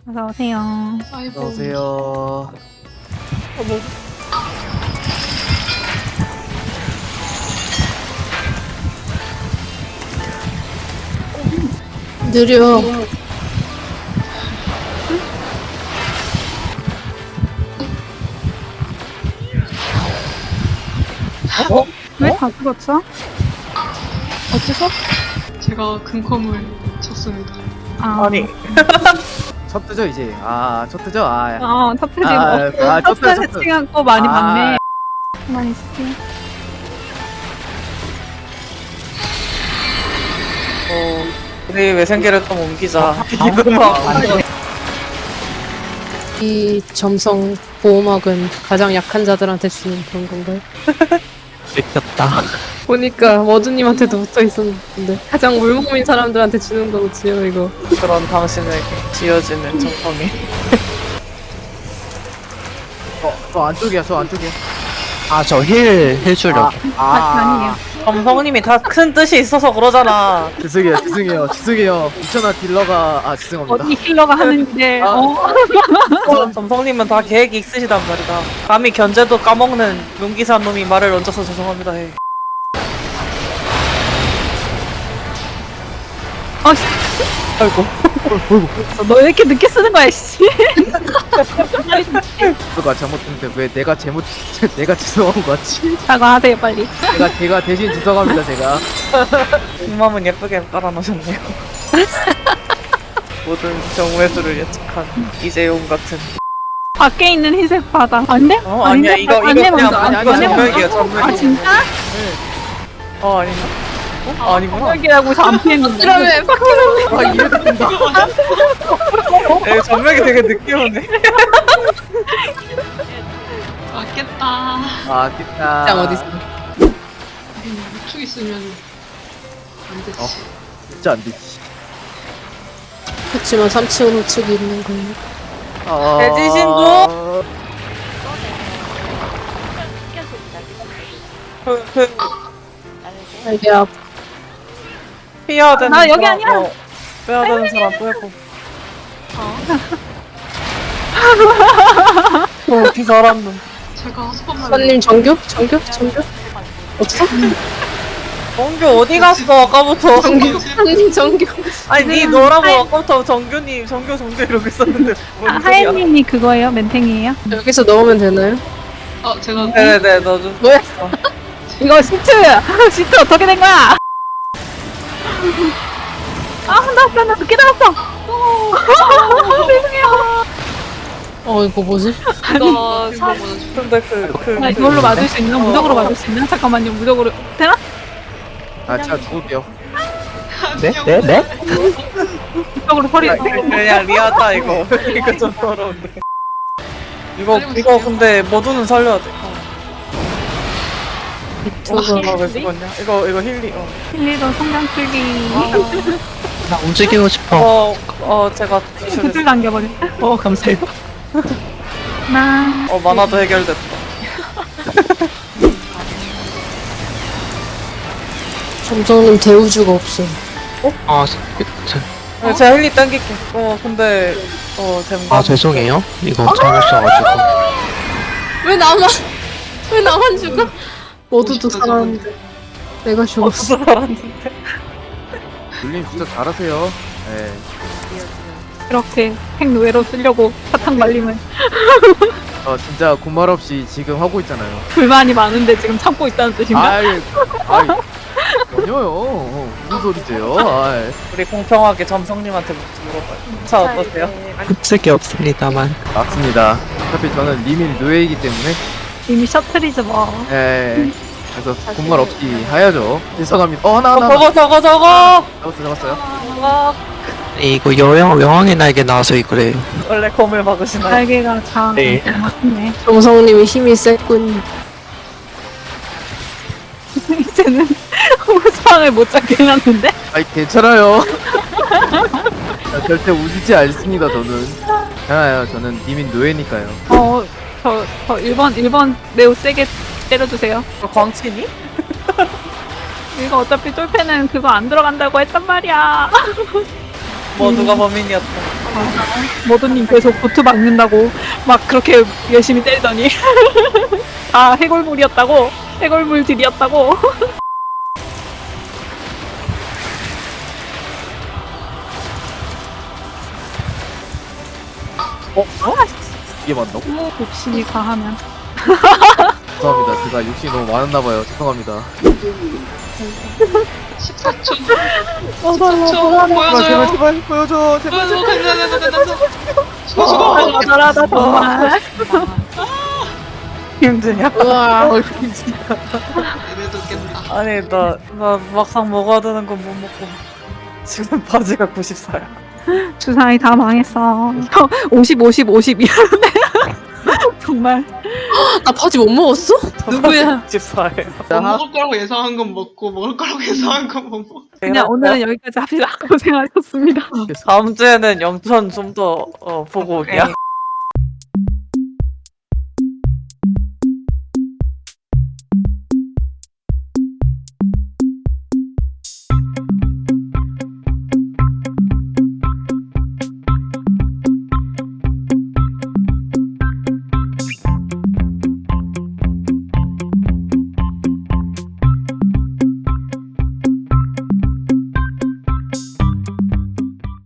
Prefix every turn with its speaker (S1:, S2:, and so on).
S1: 어서오세요.
S2: 아이고.
S3: 안녕하세요.
S2: 어머.
S4: 느려.
S1: 왜 다 죽었어? 어째서?
S2: 제가 금컴을 쳤습니다.
S3: 아니. 첫 뜨죠 이제. 첫 뜨죠.
S1: 첫 페이지
S3: 첫 뜨죠.
S1: 세팅한 거 많이
S3: 아.
S1: 봤네. 가만히 있을게.
S5: 우리 외생계를 좀 옮기자.
S4: 이 점성 보호막은 가장 약한 자들한테 주는 그런 건가요?
S6: 뺏겼다.
S4: 보니까 머드님한테도 붙어 있었는데 가장 물몸인 사람들한테 주는 거지요 이거.
S5: 그런 당신에게 지어지는 정성이.
S3: 저 안쪽이야. 저 안쪽이야.
S6: 저 힐 주려고.
S1: 아니에요.
S5: 점성님이 다 큰 뜻이 있어서 그러잖아.
S3: 죄송해요. 2,000원 딜러가 죄송합니다.
S1: 어디 힐러가 하는데
S5: 점성님은 다 계획이 있으시단 말이다. 감히 견제도 까먹는 용기산 놈이 말을 얹어서 죄송합니다 해.
S1: 아이고. 너 왜 이렇게 늦게 쓰는 거야, 씨.
S3: 가 잘못했는데 왜 내가 내가 죄송한 거 같지?
S1: 사과하세요, 빨리.
S3: 제가 대신 죄송합니다 제가.
S5: 뒷맘은 예쁘게 깔아놓으셨네요. 모든 정회수를 예측한 이재용 같은.
S1: 밖에 있는 흰색 바다. 안 돼?
S5: 아니야
S1: 아닌데?
S5: 이거
S1: 안
S5: 그냥
S1: 해봤어, 안
S3: 아니,
S1: 해봤어.
S5: 정맥이야 정맥.
S1: 아, 진짜?
S5: 아닌가? 아니구나.
S1: 정맥이라고 해서 안 피했는데.
S4: 그러면 밖에는
S3: 이래도 된다.
S5: 정맥이 되게 늦게 오네.
S2: 맞겠다.
S3: 깼다.
S4: 짱 어딨어?
S2: 우측 있으면 안 되지.
S3: 진짜 안 되지.
S4: 그렇지만 3층은 우측이 있는 거예요.
S5: 대지신도?
S4: 알게 앞.
S5: 피해야 되는
S1: 아, 여기
S5: 사람,
S1: 아니야.
S5: 빼야 되는 사람 빼고. 피 잘한
S2: 제가 소금을
S4: 선님 정규? 없어?
S5: 정규 어디 갔어 아까부터?
S4: 선님 정규.
S5: 아니 니 너라고 아까부터 정규 이러고 있었는데 뭔 소리야?
S1: 하예님이 그거예요? 멘탱이에요?
S4: 여기서 넣으면 되나요?
S2: 제가
S5: 네네네 너 좀.
S4: 뭐야?
S1: 이거 시트! 시트 어떻게 된 거야? 나 늦게 나왔어! 죄송해요.
S4: 이거 뭐지?
S2: 이거 생각보다
S5: 근데
S1: 나 이걸로 맞을 수 있나? 무적으로 맞을 수 있나? 잠깐만요, 무적으로. 되나?
S3: 제가 죽을게요.
S6: 네?
S1: 무적으로 소리.
S5: 그냥 리아다 이거. 이거 좀 더러운데. 이거 근데 모두는 살려야 돼.
S4: 저거
S5: 왜 죽었냐? 이거 힐리.
S1: 힐리도 성장 풀기.
S6: 나 움직이고 싶어.
S5: 제가
S1: 구슬 남겨버려.
S6: 감사해요.
S1: 나.
S5: 만화도 해결됐다.
S4: 점성님 대우주가 없어.
S5: 제가 힐리 땡길게. 근데 잼가.
S6: 죄송해요. 이거 잘못 써가지고.
S4: 왜 나만 죽어? 모두도 살았는데 내가 죽었어.
S5: 살았는데.
S3: 눌림 진짜 잘하세요. 네.
S1: 이렇게 핵노예로 쓰려고 사탕 말림을.
S3: 진짜 군말 없이 지금 하고 있잖아요.
S1: 불만이 많은데 지금 참고 있다는 뜻인가?
S3: 아이, 전혀요. 무슨 소리세요?
S5: 우리 공평하게 점성님한테 물어봐요. 자 어떠세요?
S6: 붙을 게 없습니다만.
S3: 맞습니다. 어차피 저는 리밀 노예이기 때문에,
S1: 이미 셔틀이죠 뭐.
S3: 그래서 군말 없이 해야죠. 죄송합니다. 하나.
S5: 저거.
S3: 잡았어요.
S6: 이거 여왕의 날개 나와서 그래요.
S5: 원래 검을 막으시나요?
S1: 날개가 다
S6: 네.
S1: 맞네.
S4: 점성님이 힘이 셌군.
S1: 이제는 호수방을 못 잡게 해놨는데?
S3: 괜찮아요. 절대 우지지 않습니다, 저는. 괜찮아요. 저는 리밀 노예니까요.
S1: 저 1번 매우 세게 때려주세요.
S5: 광친이?
S1: 이거 어차피 쫄패는 그거 안 들어간다고 했단 말이야.
S5: 모두가 범인이었다.
S1: 모두님 계속 보트 막는다고 막 그렇게 열심히 때리더니 다 해골물이었다고 해골물들이었다고.
S3: 이게 맞나?
S1: 욕심이 과하면
S3: 죄송합니다. 제가 욕심이 너무 많았나봐요. 죄송합니다.
S2: 14초.
S1: 어,
S2: 14초. 보여줘요.
S3: 제발 보여줘. 제발.
S2: 보여줘. 간다. 죽어.
S1: 잘하다 정말.
S5: 힘드냐?
S4: 우와.
S2: 얘네도 깬다.
S5: 아니 나 막상 먹어야 되는 건 못 먹고 지금 바지가 94야.
S1: 주사위 다 망했어. 50, 50, 50 이러는데 정말.
S4: 나 바지 못 먹었어? 누구야?
S5: 94예요.
S2: 못 먹을 거라고 예상한 건 먹고 먹을 거라고 예상한 건 못 먹고.
S1: 그냥 오늘은 여기까지 합시다. 고생하셨습니다.
S5: 다음 주에는 영천 좀 더 보고 오기야.